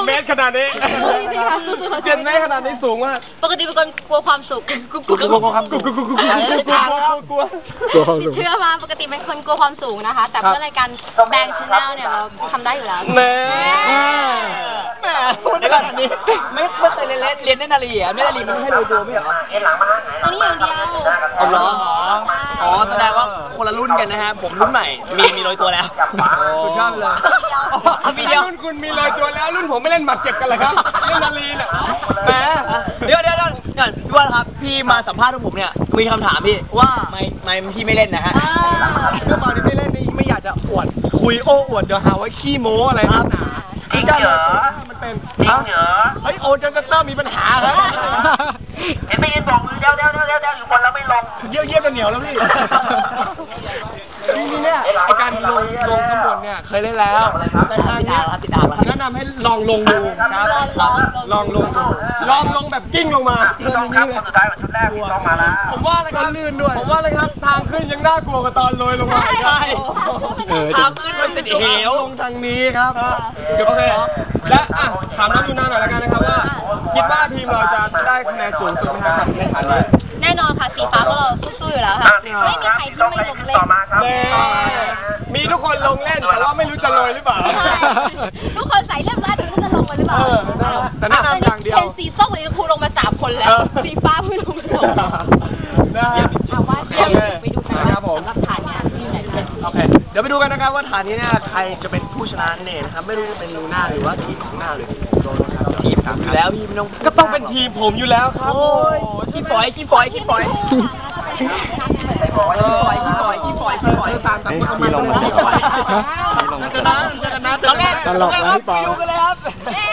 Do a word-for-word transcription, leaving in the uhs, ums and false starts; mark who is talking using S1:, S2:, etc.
S1: เมตรขนาดนี้เจ็ดเมตรขนาดนี้สูงมาก
S2: ปกติเป็นคนกลัวความสูงกลัวกลัวกลัวกลัวความสูงกลัวกลัวกลัวกลัวกลัวกลัวกลัวความสูงเชื่อมาปกติเป็นคนกลัวความสูงนะคะแต่เพื่อรายการแบงค์ชาแนลเนี่ยเราทำได้อยู่แล้ว
S1: แม่
S3: แม่พูดแบบนี้ไม่ไม่เคยเรียนเรียนเล่นนาลีอ่ะไม่นาลีมันไม่ให้โรยตัวไม่เหรอ
S2: อันนี้อย่างเดียว
S3: อ๋อเหรออ๋อแสดงว่าคนละรุ่นกันนะฮะผมรุ่นใหม่มีมีโรยตัวแล้ว
S1: สุดยอดเลย
S3: มีเดียว
S1: รุ่นคุณมีโรยตัวแล้วรุ่นผมไม่เล่นหมัดเจ็บกันเลยครับเล่นนาลีน่ะแหม
S3: เดี๋ยวเดี๋ยวเดี๋ยวพี่ว่าครับพี่มาสัมภาษณ์ผมเนี่ยมีคำถามพี่ว่าไม่ไม่พี่ไม่เล่นนะฮะ
S1: ก็ตอนที่ไม่เล่นนี่ไม่อยากจะอวดคุยโอ้อวดเดี๋ยวหาว่าขี้โม้อะไรนักหนาจริงเหรอมันเป็นจริงเหรอเฮ้ยโอ้จนจะต้องมีปัญหาครับ
S4: เห็นไม่ยินบอกมือเดี๋ยวเดี๋ยวเดี๋ยวเดี๋ยวอยู่คนแล้วไม่ลง
S1: เยี่ยวเยี่ยวจะเหนียวแล้วพี่ทีนี้เนี่ยไอการลงลงข้างบนเนี่ยเคยเล่นแล้วแต่ทางนี้แนะนำให้ลองลงดูครับลองลงลองลงแบบกิ้งลงมา
S4: ต้องครับคนสุดท้ายของชุดแรกพี่ต้องมาแล้ว
S1: ผมว่าเลยครับลื่นด้วยผมว่าเลยครับทางขึ้นยังน่ากลัวกว่าตอนลอยลงมาใช่
S3: ทางขึ้นมันเป็นเหว
S1: ลงทางนี้ครับโอเคและอ่ะถามน้องยูนาหน่อยละกันนะครับว่าคิดว่าทีมเราจะได้คะแนนสูงสุดไหมครับในฐานนี้
S2: แน่นอนค่ะสีฟ้าพวกเราสู้ๆอยู่แล้วค่ะไม่มีใครที่ไม่ลงเล่น
S1: มีทุกคนลงเล่นแต่ว่าไม่รู้จะลอยหรือเปล่า
S2: ทุกคนใส่เรียบร้อยแต่ไม่รู้จะลงมาหรือเปล่า
S1: แต่แนะนำอย่างเดียว
S2: เป็นสีส้มเลยครูลงมาสามคนแล้วสีฟ้าเพิ่งลงมาสองถามว่าเดี๋ยวไปดูกันนะครับผมรับฐานเนี่ยที่ไหนเป็น
S1: โอเคเดี๋ยวไปดูกันนะครับว่าฐานนี้เนี่ยใครจะเป็นผู้ชนะเนี่ยนะครับไม่รู้จะเป็นลูน่าหรือว่าทีมของหน้าหรือโดนนะครับ
S3: ทีมครับอยู่แล้วพี่ไม่ต้อง
S1: ก็ต้องเป็นทีมผมอยู่แล้วครับ
S3: โอ้ยขี้ปล่อยขี้ปล่อยขี้ปล่อยขี้ปล่อยขี้ปล่อยขี้ปล่อยขี้ปล่อย
S1: ตามตามก็มาเลยขี้ปล่อยจะนะจะนะ
S3: ตลกนะพี่ปอย
S1: ดูกันเลยครับ